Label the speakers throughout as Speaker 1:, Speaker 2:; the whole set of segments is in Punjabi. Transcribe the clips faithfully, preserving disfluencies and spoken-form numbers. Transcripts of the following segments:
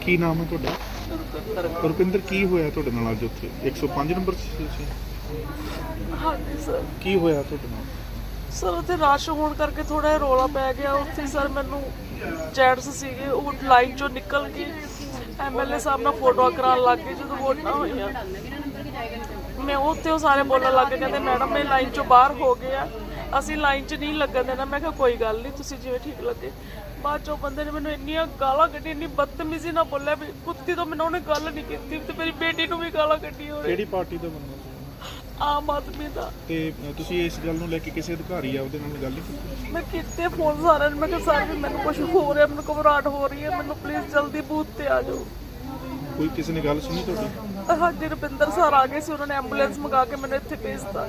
Speaker 1: ਕੀ ਨਾਮ ਹੈ ਤੁਹਾਡਾ? ਰੁਪਿੰਦਰ, ਕੀ ਹੋਇਆ ਤੁਹਾਡੇ ਨਾਲ ਅੱਜ ਉੱਥੇ ਇੱਕ ਸੌ ਪੰਜ ਨੰਬਰ ਸੀ?
Speaker 2: ਹਾਂਜੀ ਸਰ।
Speaker 1: ਕੀ ਹੋਇਆ ਤੁਹਾਡੇ ਨਾਲ?
Speaker 2: ਸਰ ਉੱਥੇ ਰਸ਼ ਹੋਣ ਕਰਕੇ ਥੋੜਾ ਰੌਲਾ ਪੈ ਗਿਆ ਉੱਥੇ। ਸਰ ਮੈਨੂੰ ਜੈਂਟਸ ਸੀਗੇ, ਉਹ ਲਾਈਨ ਚੋਂ ਨਿਕਲ ਕੇ ਐਮਐਲਏ ਸਾਹਿਬ ਨਾਲ ਫੋਟੋਆਂ ਕਰਾਉਣ ਲੱਗ ਗਏ। ਜਦੋਂ ਵੋਟਾਂ ਹੋਈਆਂ ਮੈਂ ਉੱਥੇ, ਉਹ ਸਾਰੇ ਬੋਲਣ ਲੱਗ ਗਏ, ਕਹਿੰਦੇ ਮੈਡਮ ਇਹ ਲਾਈਨ ਚੋਂ ਬਾਹਰ ਹੋ ਗਏ ਆ, ਅਸੀਂ ਲਾਈਨ 'ਚ ਨਹੀਂ ਲੱਗਣ ਦੇਣਾ। ਮੈਂ ਕਿਹਾ ਕੋਈ ਗੱਲ ਨਹੀਂ, ਤੁਸੀਂ ਜਿਵੇਂ ਠੀਕ ਲੱਗੇ। ਬਾਅਦ ਚੋਂ ਬੰਦੇ ਨੇ ਮੈਨੂੰ ਇੰਨੀਆਂ ਗਾਲਾਂ ਕੱਢੀਆਂ, ਇੰਨੀ ਬਦਤਮੀਜ਼ੀ ਨਾਲ ਬੋਲਿਆ ਵੀ ਕੁੱਤੀ ਤੋਂ ਮੈਨੂੰ ਉਹਨੇ ਗੱਲ ਨਹੀਂ ਕੀਤੀ ਤੇ ਮੇਰੀ ਬੇਟੀ ਨੂੰ ਵੀ ਗਾਲਾਂ ਕੱਢੀਆਂ।
Speaker 1: ਕਿਹੜੀ ਪਾਰਟੀ ਦਾ ਬੰਦਾ?
Speaker 2: ਆਮ ਆਦਮੀ ਦਾ।
Speaker 1: ਤੇ ਤੁਸੀਂ ਇਸ ਗੱਲ ਨੂੰ ਲੈ ਕੇ ਕਿਸੇ ਅਧਿਕਾਰੀ ਆ ਉਹਦੇ ਨਾਲ ਗੱਲ ਨਹੀਂ ਕੀਤੀ?
Speaker 2: ਮੈਂ ਕੀਤੇ ਫੋਨ ਸਾਰਿਆਂ ਨੂੰ, ਮੈਂ ਕਿਹਾ ਸਰ ਵੀ ਮੈਨੂੰ ਕੁਝ ਹੋ ਰਿਹਾ, ਮੈਨੂੰ ਘਬਰਾਹਟ ਹੋ ਰਹੀ ਹੈ, ਮੈਨੂੰ ਪਲੀਜ਼ ਜਲਦੀ ਬੂਥ ਤੇ ਆ ਜਾਓ।
Speaker 1: ਕੋਈ ਕਿਸੇ ਨੇ ਗੱਲ ਸੁਣੀ ਤੁਹਾਡੀ?
Speaker 2: ਹਾਂਜੀ, ਰੁਪਿੰਦਰ ਸਰ ਆ ਗਏ ਸੀ, ਉਹਨਾਂ ਨੇ ਐਂਬੂਲੈਂਸ ਮੰਗਾ ਕੇ ਮੈਨੂੰ ਇੱਥੇ ਭੇਜਤਾ।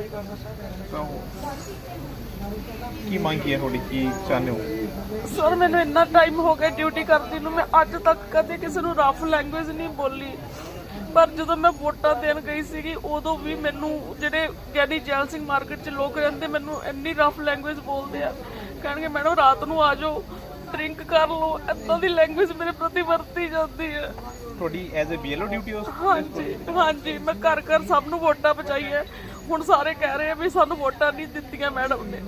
Speaker 3: ਕੀ ਮੰਗ ਕੀ ਹੈ ਤੁਹਾਡੀ, ਕੀ ਚਾਹੁੰਦੇ ਹੋ?
Speaker 2: ਸਰ ਮੈਨੂੰ ਇੰਨਾ ਟਾਈਮ ਹੋ ਗਿਆ ਡਿਊਟੀ ਕਰਦੀ ਨੂੰ, ਮੈਂ ਅੱਜ ਤੱਕ ਕਦੇ ਕਿਸੇ ਨੂੰ ਰਫ ਲੈਂਗੁਏਜ ਨਹੀਂ ਬੋਲੀ। ਪਰ ਜਦੋਂ ਮੈਂ ਵੋਟਾਂ ਦੇਣ ਗਈ ਸੀਗੀ ਉਦੋਂ ਵੀ ਮੈਨੂੰ ਜਿਹੜੇ ਗਿਆਨੀ ਜੈਲ ਸਿੰਘ ਮਾਰਕੀਟ 'ਚ ਲੋਕ ਰਹਿੰਦੇ ਮੈਨੂੰ ਇੰਨੀ ਰਫ ਲੈਂਗੁਏਜ ਬੋਲਦੇ ਆ, ਕਹਿਣਗੇ ਮੈਡਮ ਰਾਤ ਨੂੰ ਆ ਜਾਓ, ਡਰਿੰਕ ਕਰ ਲਓ, ਇੱਦਾਂ ਦੀ ਲੈਂਗੁਏਜ ਮੇਰੇ ਪ੍ਰਤੀ ਵਰਤੀ ਜਾਂਦੀ ਹੈ।
Speaker 3: ਤੁਹਾਡੀ ਐਜ਼ ਅ ਬੀਐਲਓ ਡਿਊਟੀ ਉਸ?
Speaker 2: ਹਾਂਜੀ ਹਾਂਜੀ, ਮੈਂ ਘਰ ਘਰ ਸਭ ਨੂੰ ਵੋਟਾਂ ਪਹੁੰਚਾਈਆਂ। ਹੁਣ ਸਾਰੇ ਕਹਿ ਰਹੇ ਆ ਵੀ ਸਾਨੂੰ ਵੋਟਾਂ ਨਹੀਂ ਦਿੱਤੀਆਂ ਮੈਡਮ ਨੇ।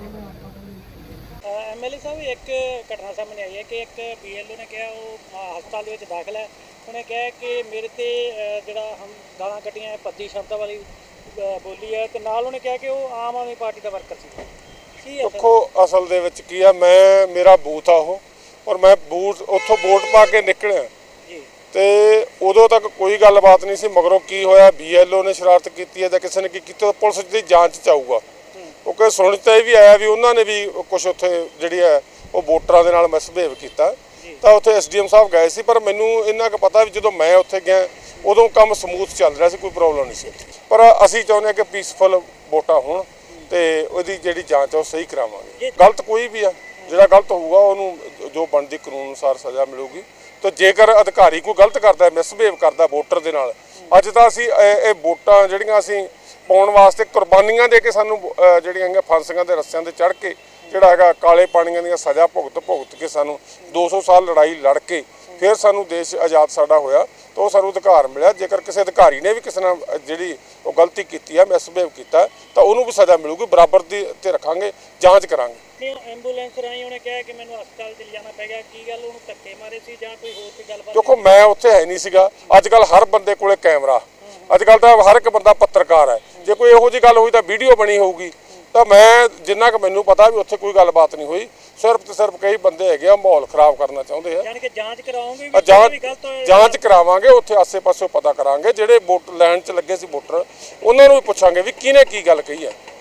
Speaker 4: ਐਮਐਲਏ ਸਾਹਿਬ, ਇੱਕ ਘਟਨਾ ਸਾਹਮਣੇ ਆਈ ਹੈ ਕਿ ਇੱਕ ਬੀਐਲਓ ਨੇ ਕਿਹਾ ਉਹ ਹਸਪਤਾਲ ਦੇ ਵਿੱਚ ਦਾਖਲ ਹੈ, ਉਹਨੇ ਕਿਹਾ ਕਿ ਮੇਰੇ ਤੇ ਜਿਹੜਾ ਹਮ ਗਾਲਾਂ ਕੱਢੀਆਂ ਭੱਦੀ ਸ਼ਬਦਾਂ ਵਾਲੀ ਬੋਲੀ ਹੈ, ਤੇ ਨਾਲ ਉਹਨੇ ਕਿਹਾ ਕਿ ਉਹ ਆਮ ਆਦਮੀ ਪਾਰਟੀ ਦਾ ਵਰਕਰ ਸੀ। ਕੀ ਹੈ
Speaker 5: ਦੇਖੋ ਅਸਲ ਦੇ ਵਿੱਚ ਕੀ ਆ, ਮੈਂ ਮੇਰਾ ਬੂਥ ਆ ਉਹ, ਔਰ ਮੈਂ ਬੂਥ ਉੱਥੋਂ ਵੋਟ ਪਾ ਕੇ ਨਿਕਲਿਆ
Speaker 4: ਜੀ,
Speaker 5: ਤੇ ਉਦੋਂ ਤੱਕ ਕੋਈ ਗੱਲਬਾਤ ਨਹੀਂ ਸੀ। ਮਗਰੋਂ ਕੀ ਹੋਇਆ, ਬੀਐਲਓ ਨੇ ਸ਼ਰਾਰਤ ਕੀਤੀ ਹੈ ਜਾਂ ਕਿਸੇ ਨੇ ਕੀ ਕੀਤਾ, ਪੁਲਿਸ ਦੀ ਜਾਂਚ 'ਚ ਆਊਗਾ। ਕਿਉਂਕਿ ਸੁਣ 'ਚ ਇਹ ਵੀ ਆਇਆ ਵੀ ਉਹਨਾਂ ਨੇ ਵੀ ਕੁਝ ਉੱਥੇ ਜਿਹੜੀ ਹੈ ਉਹ ਵੋਟਰਾਂ ਦੇ ਨਾਲ ਮਿਸਬਿਹੇਵ ਕੀਤਾ, ਤਾਂ ਉੱਥੇ ਐਸਡੀਐਮ ਸਾਹਿਬ ਗਏ ਸੀ। ਪਰ ਮੈਨੂੰ ਇੰਨਾ ਕੁ ਪਤਾ ਵੀ ਜਦੋਂ ਮੈਂ ਉੱਥੇ ਗਿਆ ਉਦੋਂ ਕੰਮ ਸਮੂਥ ਚੱਲ ਰਿਹਾ ਸੀ, ਕੋਈ ਪ੍ਰੋਬਲਮ ਨਹੀਂ ਸੀ। ਪਰ ਅਸੀਂ ਚਾਹੁੰਦੇ ਹਾਂ ਕਿ ਪੀਸਫੁਲ ਵੋਟਾਂ ਹੋਣ ਤੇ ਉਹਦੀ ਜਿਹੜੀ ਜਾਂਚ ਆ ਉਹ ਸਹੀ ਕਰਾਵਾਂਗੇ। ਗਲਤ ਕੋਈ ਵੀ ਆ, ਜਿਹੜਾ ਗਲਤ ਹੋਊਗਾ ਉਹਨੂੰ ਜੋ ਬਣਦੀ ਕਾਨੂੰਨ ਅਨੁਸਾਰ ਸਜ਼ਾ ਮਿਲੂਗੀ। ਤੇ ਜੇਕਰ ਅਧਿਕਾਰੀ ਕੋਈ ਗਲਤ ਕਰਦਾ, ਮਿਸਬਿਹੇਵ ਕਰਦਾ ਵੋਟਰ ਦੇ ਨਾਲ, ਅੱਜ ਤਾਂ ਅਸੀਂ ਇਹ ਵੋਟਾਂ ਜਿਹੜੀਆਂ ਅਸੀਂ ਪਾਉਣ ਵਾਸਤੇ ਕੁਰਬਾਨੀਆਂ ਦੇ ਕੇ ਸਾਨੂੰ ਜਿਹੜੀਆਂ ਹੈਗੀਆਂ ਫਾਂਸੀਆਂ ਦੇ ਰੱਸਿਆਂ 'ਤੇ ਚੜ੍ਹ ਕੇ ਜਿਹੜਾ ਹੈਗਾ ਕਾਲੇ ਪਾਣੀਆਂ ਦੀਆਂ ਸਜ਼ਾ ਭੁਗਤ ਭੁਗਤ ਕੇ ਸਾਨੂੰ ਦੋ ਸੌ ਸਾਲ ਲੜਾਈ ਲੜ ਕੇ ਫਿਰ ਸਾਨੂੰ ਦੇਸ਼ ਆਜ਼ਾਦ ਸਾਡਾ ਹੋਇਆ, ਤਾਂ ਉਹ ਸਾਨੂੰ ਅਧਿਕਾਰ ਮਿਲਿਆ। ਜੇਕਰ ਕਿਸੇ ਅਧਿਕਾਰੀ ਨੇ ਵੀ ਕਿਸੇ ਨਾਲ ਜਿਹੜੀ ਉਹ ਗਲਤੀ ਕੀਤੀ ਹੈ, ਮਿਸਬਿਹੇਵ ਕੀਤਾ, ਤਾਂ ਉਹਨੂੰ ਵੀ ਸਜ਼ਾ ਮਿਲੂਗੀ, ਬਰਾਬਰ ਦੀ 'ਤੇ ਰੱਖਾਂਗੇ, ਜਾਂਚ ਕਰਾਂਗੇ।
Speaker 4: ਐਂਬੂਲੈਂਸ ਰਾਹੀਂ ਉਹਨੇ ਕਿਹਾ ਕਿ ਮੈਨੂੰ ਹਸਪਤਾਲ 'ਚ ਲਿਜਾਣਾ ਪੈ ਗਿਆ, ਕੀ ਗੱਲ ਉਹਨੂੰ ਧੱਕੇ ਮਾਰੇ ਸੀ ਜਾਂ ਕੋਈ ਹੋਰ ਕੋਈ ਗੱਲਬਾਤ?
Speaker 5: ਦੇਖੋ ਮੈਂ ਉੱਥੇ ਹੈ ਨਹੀਂ ਸੀਗਾ। ਅੱਜ ਕੱਲ੍ਹ ਹਰ ਬੰਦੇ ਕੋਲੇ ਕੈਮਰਾ, ਅੱਜ ਕੱਲ੍ਹ ਤਾਂ ਹਰ ਇੱਕ ਬੰਦਾ ਪੱਤਰਕਾਰ ਹੈ। ਜੇ ਕੋਈ ਇਹੋ ਜਿਹੀ ਗੱਲ ਹੋਈ ਤਾਂ ਵੀਡੀਓ ਬਣੀ ਹੋਊਗੀ। ਤਾਂ ਮੈਂ ਜਿੰਨਾ ਕੁ ਮੈਨੂੰ ਪਤਾ ਵੀ ਉੱਥੇ ਕੋਈ ਗੱਲਬਾਤ ਨਹੀਂ ਹੋਈ, ਸਿਰਫ ਤੇ ਸਿਰਫ ਕਈ ਬੰਦੇ ਹੈਗੇ ਆ ਮਾਹੌਲ ਖਰਾਬ ਕਰਨਾ ਚਾਹੁੰਦੇ ਆ।
Speaker 4: ਯਾਨੀ ਕਿ ਜਾਂਚ ਕਰਾਉਂਗੇ,
Speaker 5: ਜਾਂਚ ਕਰਾਵਾਂਗੇ, ਉੱਥੇ ਆਸੇ ਪਾਸੇ ਪਤਾ ਕਰਾਂਗੇ। ਜਿਹੜੇ ਵੋਟ ਲੈਣ 'ਚ ਲੱਗੇ ਸੀ ਵੋਟਰ, ਉਹਨਾਂ ਨੂੰ ਵੀ ਪੁੱਛਾਂਗੇ ਵੀ ਕਿਹਨੇ ਕੀ ਗੱਲ ਕਹੀ ਹੈ।